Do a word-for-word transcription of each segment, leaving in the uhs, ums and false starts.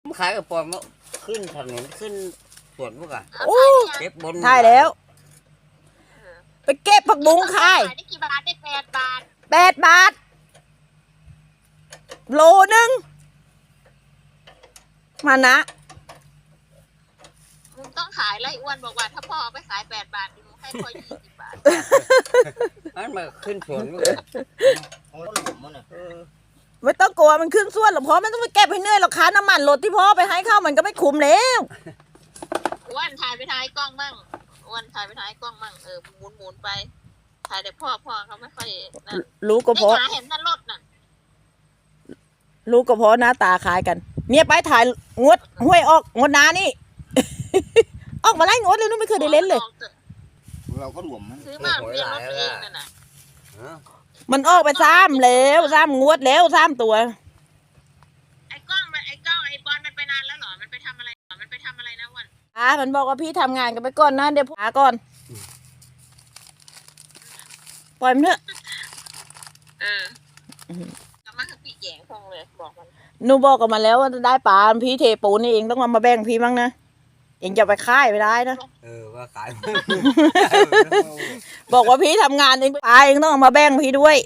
ขายกับปอนมาขึ้นถนนขึ้นสวนพวกอะโอ้เก็บบนถ่ายแล้วไปเก็บผักบุ้งขายได้กี่บาทได้แปดบาทแปดบาทโลนึงมานะมึงต้องขายแล้วอ้วนบอกว่าถ้าพ่อไปขายแปดบาทมึงให้พ่อยี่สิบบาทอันมาขึ้นสวนพวกอะไม่ต้องกลัวมันขึ้นส่วนหรอกพ่อไม่ต้องไปเก็บให้เหนื่อยหรอกค่าน้ำมันรถที่พ่อไปให้เข้ามันก็ไม่คุ้มแล้วอ้วนถ่ายไปถ่ายกล้องมั่งอ้วนถ่ายไปถ่ายกล้องมั่งเออหมุนหมุนไปถ่ายแต่พ่อพ่อเขาไม่ค่อยนั่นรู้ก็เพราะเห็นนั่นรถน่ะรู้ก็เพราะหน้าตาคล้ายกันเนี่ยไปถ่ายงวดห้วยออกงวดนานี่ ออกมาไล่งวดเลยนู้นไม่เคยได้เล่นเลยเราก็หลวมซื้อมาเรียนรถเองนั่นน่ะมันออกไปซ้ำแล้วซ้ำงวดแล้วซ้ำตัวไอ้กล้องมันไอ้กล้องไอ้บอลมันไปนานแล้วเหรอมันไปทำอะไรมันไปทำอะไรนะวันอ่ามันบอกว่าพี่ทำงานกันไปก่อนนะเดี๋ยวหาก่อนปล่อยมันเถอะเออกลับมาคือพี่แย่งพงเลยบอกมันหนูบอกกับมันแล้วว่าได้ปลาพี่เทปูนี่เองต้องมาแบ่งพี่บ้างนะเองจะไปค่ายไม่ได้นะเออว่าขายบอกว่าพี่ทำงานเองปลาเองต้องมาแบ่งพี่ด้วย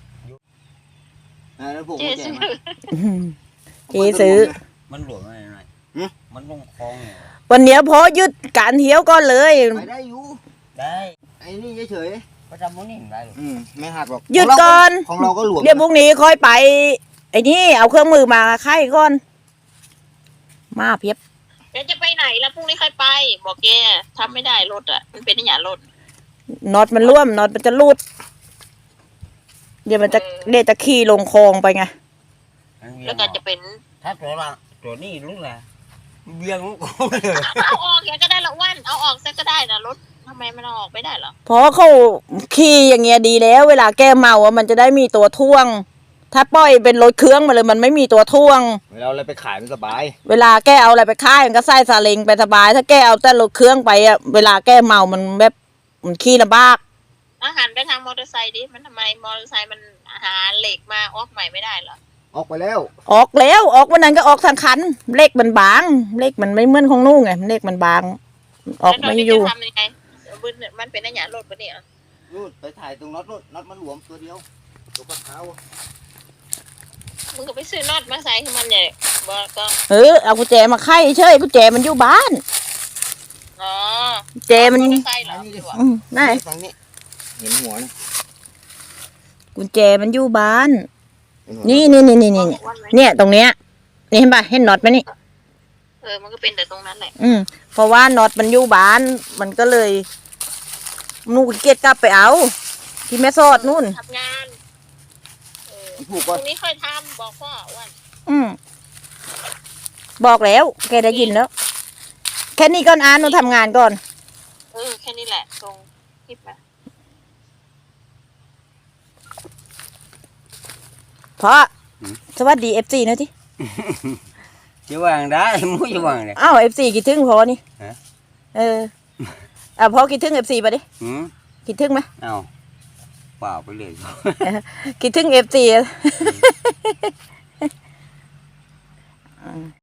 เจ๊ซื้อเจ๊ซื้อมันหลวมอะไรหน่อยมันลงคลองวันนี้พอยึดการเที่ยวก่อนเลยไปได้อยู่ได้ไอ้นี่เฉยๆเขาทำพวกนี้ได้หรอไม่หักหรอกยึดก่อนของเราก็หลวมเดี๋ยวพรุ่งนี้ค่อยไปไอ้นี่เอาเครื่องมือมาไข่ก่อนมาเพียบเดี๋ยวจะไปไหนแล้วพรุ่งนี้ค่อยไปบอกแกทำไม่ได้รถอ่ะมันเป็นอย่างรถน็อตมันร่วมน็อตมันจะรูดเดี๋ยวมันจะเดี๋ยวจะขี่ลงคลองไปไงแล้วก็จะเป็นถ้าตัวละตัวนี้รู้แหละเบี้ยงลูกเอาออกแกก็ได้ละวันเอาออกซะก็ได้นะรถทำไมมันเอาออกไม่ได้หรอเพราะเขาขี่อย่างเงี้ยดีแล้วเวลาแกเมาอ่ะมันจะได้มีตัวท่วงถ้าปล่อยเป็นรถเครื่องมาเลยมันไม่มีตัวท่วงเวลาอะไรไปขายมันสบายเวลาแกเอาอะไรไปขายมันก็ใส่ซาเล้งไปสบายถ้าแกเอาแต่รถเครื่องไปอ่ะเวลาแกเมามันแบบมันขี่ลำบากอาหารไปทางมอเตอร์ไซค์ดิมันทำไมมอเตอร์ไซค์มันหาเหล็กมาออกใหม่ไม่ได้หรอออกไปแล้วออกแล้วออกวันนั้นก็ออกทางคันเหล็กมันบางเหล็กมันไม่เหมือนของนู่นไงเหล็กมันบางออกไม่อยู่ทำยังไงมันเป็นอะไรรถปะเนี่ยนู่นไปถ่ายตรงน็อตนู่นน็อตมันหลวมตัวเดียวตัวกระเท้ามึงก็ไปซื้อน็อตมาใส่ให้มันเนี่ยบอกก็เออเอากุญแจมาไขเฉยกุญแจมันอยู่บ้านอ๋อกุญแจมันใส่เหรออืมนั่นเห็นหัวกุญแจมันอยู่บ้านนี่นี่นี่นี่นี่เนี่ยตรงเนี้ยนี่เห็นป่ะเห็นน็อตไหมนี่เออมันก็เป็นแต่ตรงนั้นแหละอืมเพราะว่าน็อตมันอยู่บ้านมันก็เลยนูนเกียรกลับไปเอาที่แม่สอดนู่นทำงานเออพรุ่งนี้ค่อยทำบอกพ่อวันอืมบอกแล้วแกได้ยินแล้วแค่นี้ก่อนอ่านหนูทำงานก่อนเออแค่นี้แหละตรงคลิปมาพ่อสวัสดีเอฟซีนะที่จะวางได้มุ้ยวางเลยอ้าวเอฟซีคิดถึงพ่อนี่เอออ่ะพ่อคิดถึงเอฟซีไปดิคิดถึงไหมอ้าวเปล่าไปเลยคิดถึงเอฟซี